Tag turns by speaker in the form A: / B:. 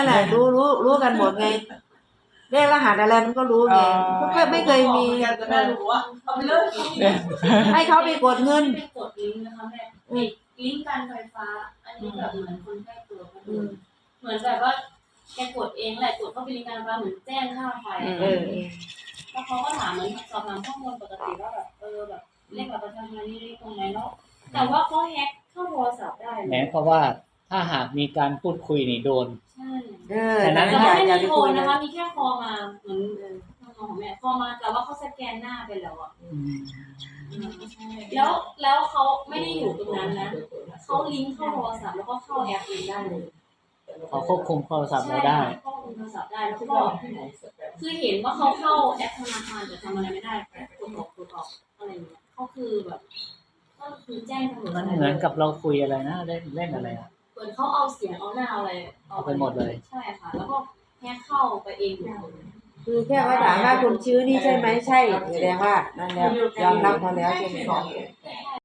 A: นั่นแหละรู้กันหมดไงเลขรหัสอะไรมันก็รู้ไงก็ไม่เคยมีให้เขาไปกดเงิน
B: ไปกดลิงก์นะคะแม่ลิงก์การไฟฟ้าอันนี้แบบเหมือนคนใกล้ตัวกันเหมือนแบบว่าแกกดเองแหละกดเข้าไปลิงก์การไฟฟ้าเหมือนแจ้งค่าไฟแล้วเขาก็ถามเหมือนสอบถามข้อมูลปกติว่าแบบแบบเลขบัตรประชาชนนี่เลขตรงไหนเนาะแต่ว่าเขาแฮ็กเข้าโทรศัพท์ได้
C: แม้เพราะว่าถ้าหากมีการพูดคุยนี่โดน
B: ใช่
A: แต่
B: นั้นไม่มีโทรนะคะมีแค่คอมาเหมือนของแม่คอมาแต่ว่าเขาสแกนหน้าไปแล้วอ่ะแล้วเขาไม่ได้อยู่ตรงนั้นนะเขาลิงก์เข้าโทรศัพท์แล้วก็เข้าแอปเองได้เลย
C: เขาควบคุมโทรศัพท์เราได้
B: ควบคุมโทรศัพท์ได้แล้วก็คือเห็นว่าเขาเข้าแอปธนาคารแต่ทำอะไรไม่ได้กดออกอะไรอย่างเงี้ยเขาคือแบบก็คือแจ้งตำรวจ
C: มันเหมือนกับเราคุยอะไรนะเล่นอะไรอ่ะ
B: เหมือนเขาเอาเสียงเอาหน้าอะไร
C: เอาไปหมดเลย
B: ใช่ค่ะแล้วก็แค่เข้าไปเอง
A: คือแค่ว่าถามว่าคุณชื่อนี่ใช่ไหมใช่แสดงว่านั่นแล้วยอมรับเขาแล้วใช่ไหม